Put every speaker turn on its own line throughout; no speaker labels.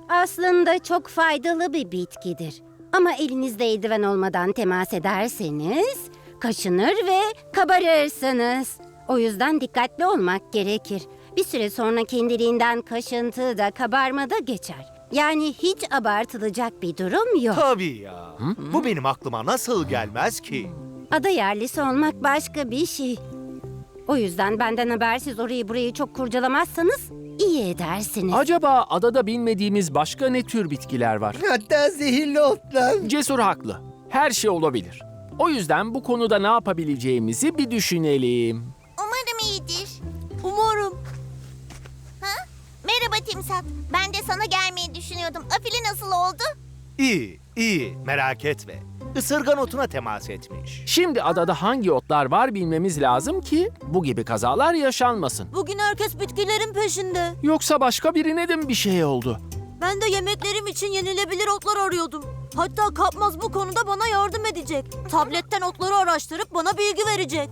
Aslında çok faydalı bir bitkidir. Ama elinizde eldiven olmadan temas ederseniz kaşınır ve kabarırsınız. O yüzden dikkatli olmak gerekir. Bir süre sonra kendiliğinden kaşıntı da kabarma da geçer. Yani hiç abartılacak bir durum yok.
Tabii ya. Bu benim aklıma nasıl gelmez ki?
Ada yerlisi olmak başka bir şey. O yüzden benden habersiz orayı burayı çok kurcalamazsanız iyi edersiniz.
Acaba adada bilmediğimiz başka ne tür bitkiler var?
Hatta zehirli otlar.
Cesur haklı. Her şey olabilir. O yüzden bu konuda ne yapabileceğimizi bir düşünelim.
Umarım iyidir. Umarım. Ha? Merhaba Timsat. Ben de sana gelmeyi düşünüyordum. Afili nasıl oldu?
İyi, iyi. Merak etme. Isırgan otuna temas etmiş.
Şimdi adada hangi otlar var bilmemiz lazım ki bu gibi kazalar yaşanmasın.
Bugün herkes bitkilerin peşinde.
Yoksa başka birine de mi bir şey oldu?
Ben de yemeklerim için yenilebilir otlar arıyordum. Hatta Kapmaz bu konuda bana yardım edecek. Tabletten otları araştırıp bana bilgi verecek.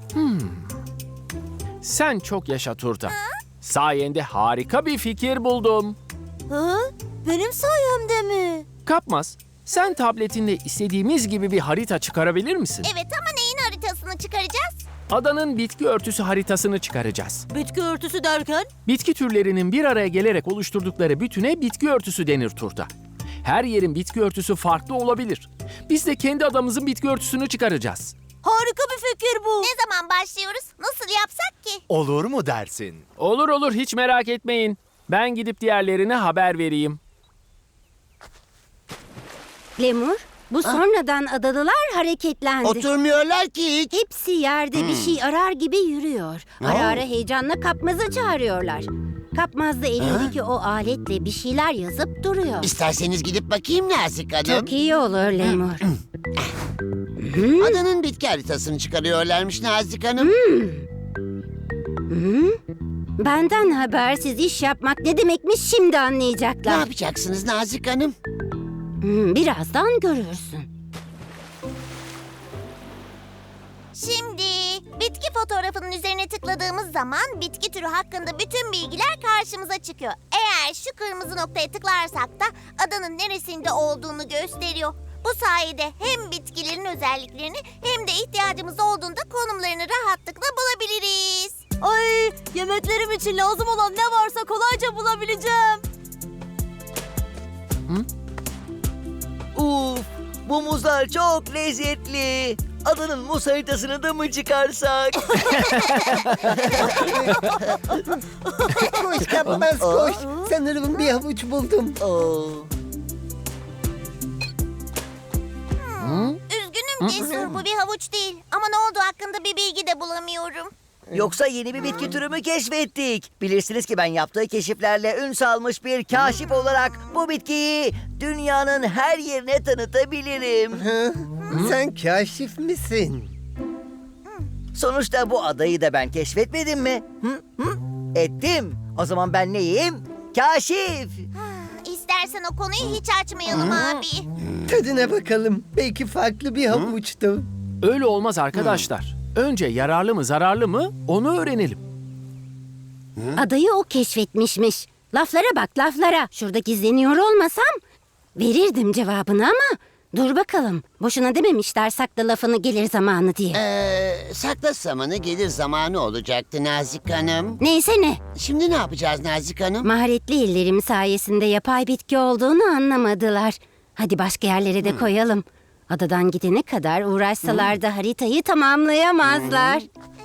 Sen çok yaşa Turta. Sayende harika bir fikir buldum.
Ha? Benim sayemde mi?
Kapmaz, sen tabletinde istediğimiz gibi bir harita çıkarabilir misin?
Evet ama neyin haritasını çıkaracağız?
Adanın bitki örtüsü haritasını çıkaracağız.
Bitki örtüsü derken?
Bitki türlerinin bir araya gelerek oluşturdukları bütüne bitki örtüsü denir Turta. Her yerin bitki örtüsü farklı olabilir. Biz de kendi adamızın bitki örtüsünü çıkaracağız.
Harika bir fikir bu.
Ne zaman başlıyoruz? Nasıl yapsak ki?
Olur mu dersin?
Olur olur, hiç merak etmeyin. Ben gidip diğerlerine haber vereyim.
Lemur, bu sonradan adalılar hareketlendi.
Oturmuyorlar ki hiç.
Hepsi yerde bir şey arar gibi yürüyor. Ara ara heyecanla Kapmaz'ı çağırıyorlar. Kapmaz da elindeki o aletle bir şeyler yazıp duruyor.
İsterseniz gidip bakayım Nazik Hanım.
Çok iyi olur Lemur.
Adanın bitki haritasını çıkarıyorlarmış Nazik Hanım.
Benden habersiz iş yapmak ne demekmiş şimdi
Ne
anlayacaklar.
yapacaksınız Nazik Hanım?
Birazdan görürsün.
Şimdi bitki fotoğrafının üzerine tıkladığımız zaman bitki türü hakkında bütün bilgiler karşımıza çıkıyor. Eğer şu kırmızı noktaya tıklarsak da adanın neresinde olduğunu gösteriyor. Bu sayede hem bitkilerin özelliklerini hem de ihtiyacımız olduğunda konumlarını rahatlıkla bulabiliriz.
Ay, yemeklerim için lazım olan ne varsa kolayca bulabileceğim.
Uf, bu muzlar çok lezzetli. Adanın muz haritasını da mı çıkarsak?
Koş Kapmaz koş. Sanırım bir havuç buldum.
Üzgünüm Cesur, bu bir havuç değil. Ama ne olduğu hakkında bir bilgi de bulamıyorum.
Yoksa yeni bir bitki türü mü keşfettik? Bilirsiniz ki ben yaptığı keşiflerle ün salmış bir kaşif olarak bu bitkiyi dünyanın her yerine tanıtabilirim.
Sen kaşif misin?
Sonuçta bu adayı da ben keşfetmedim mi? Ettim. O zaman ben neyim? Kaşif.
İstersen o konuyu hiç açmayalım abi.
Tadına bakalım. Belki farklı bir havuçtu.
Öyle olmaz arkadaşlar. Önce yararlı mı zararlı mı onu öğrenelim.
Adayı o keşfetmişmiş. Laflara bak laflara. Şurada gizleniyor olmasam verirdim cevabını ama dur bakalım. Boşuna dememişler sakla lafını gelir zamanı diye.
Sakla zamanı gelir zamanı olacaktı Nazik Hanım.
Neyse ne.
Şimdi ne yapacağız Nazik Hanım?
Maharetli ellerim sayesinde yapay bitki olduğunu anlamadılar. Hadi başka yerlere de koyalım. Adadan gidene kadar uğraşsalar da haritayı tamamlayamazlar.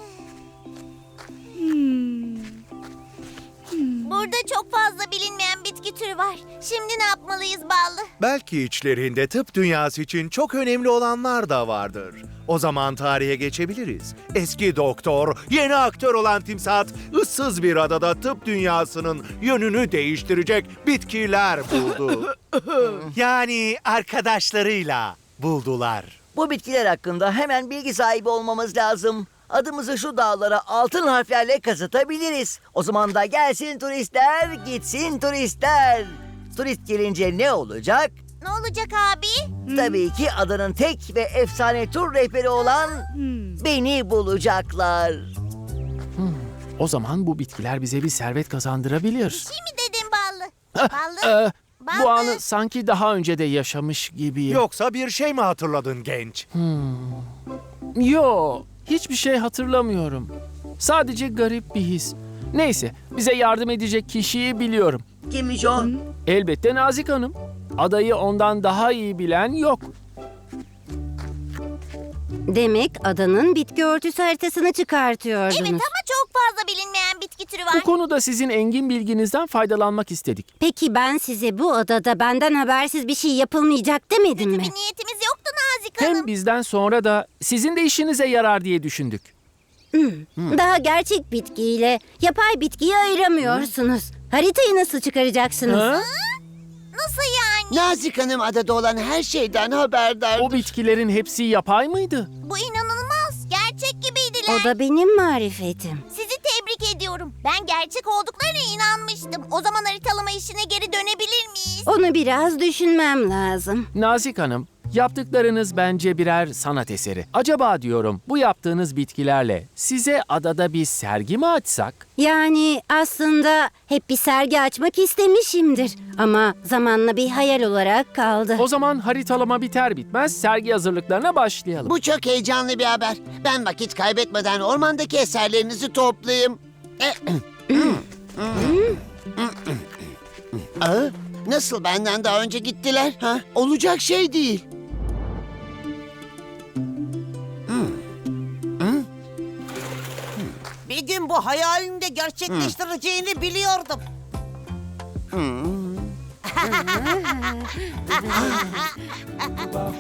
Burada çok fazla bilinmeyen bitki türü var. Şimdi ne yapmalıyız Ballı?
Belki içlerinde tıp dünyası için çok önemli olanlar da vardır. O zaman tarihe geçebiliriz. Eski doktor, yeni aktör olan Timsat, ıssız bir adada tıp dünyasının yönünü değiştirecek bitkiler buldu. Yani arkadaşlarıyla buldular.
Bu bitkiler hakkında hemen bilgi sahibi olmamız lazım. Adımızı şu dağlara altın harflerle kazıtabiliriz. O zaman da gelsin turistler, gitsin turistler. Turist gelince ne olacak?
Ne olacak abi?
Tabii ki adanın tek ve efsane tur rehberi olan beni bulacaklar.
O zaman bu bitkiler bize bir servet kazandırabilir.
Şey mi dedin Ballı? Ballı? Ben
Bu
de.
anı sanki daha önce de yaşamış gibiyim.
Yoksa bir şey mi hatırladın genç?
Yo, hiçbir şey hatırlamıyorum. Sadece garip bir his. Neyse, bize yardım edecek kişiyi biliyorum.
Kimmiş o?
Elbette Nazik Hanım. Adayı ondan daha iyi bilen yok.
Demek adanın bitki örtüsü haritasını çıkartıyordunuz.
Evet ama çok fazla bilinmeyen bitki türü var.
Bu konuda sizin engin bilginizden faydalanmak istedik.
Peki ben size bu odada benden habersiz bir şey yapılmayacak demedim mi?
Bir niyetimiz yoktu Nazik Hanım.
Hem bizden sonra da sizin de işinize yarar diye düşündük.
Daha gerçek bitkiyle yapay bitkiyi ayıramıyorsunuz. Haritayı nasıl çıkaracaksınız?
Ha?
Nasıl yani?
Nazik Hanım adada olan her şeyden haberdar.
O bitkilerin hepsi yapay mıydı?
Bu inanılmaz. Gerçek gibiydiler.
O da benim marifetim.
Sizi tebrik ediyorum. Ben gerçek olduklarına inanmıştım. O zaman haritalama işine geri dönebilir miyiz?
Onu biraz düşünmem lazım.
Nazik Hanım, yaptıklarınız bence birer sanat eseri. Acaba diyorum bu yaptığınız bitkilerle size adada bir sergi mi açsak?
Yani aslında hep bir sergi açmak istemişimdir. Ama zamanla bir hayal olarak kaldı.
O zaman haritalama biter bitmez sergi hazırlıklarına başlayalım.
Bu çok heyecanlı bir haber. Ben vakit kaybetmeden ormandaki eserlerinizi toplayayım. Aa, nasıl benden daha önce gittiler? Ha? Olacak şey değil.
Bir gün bu hayalini de gerçekleştireceğini biliyordum.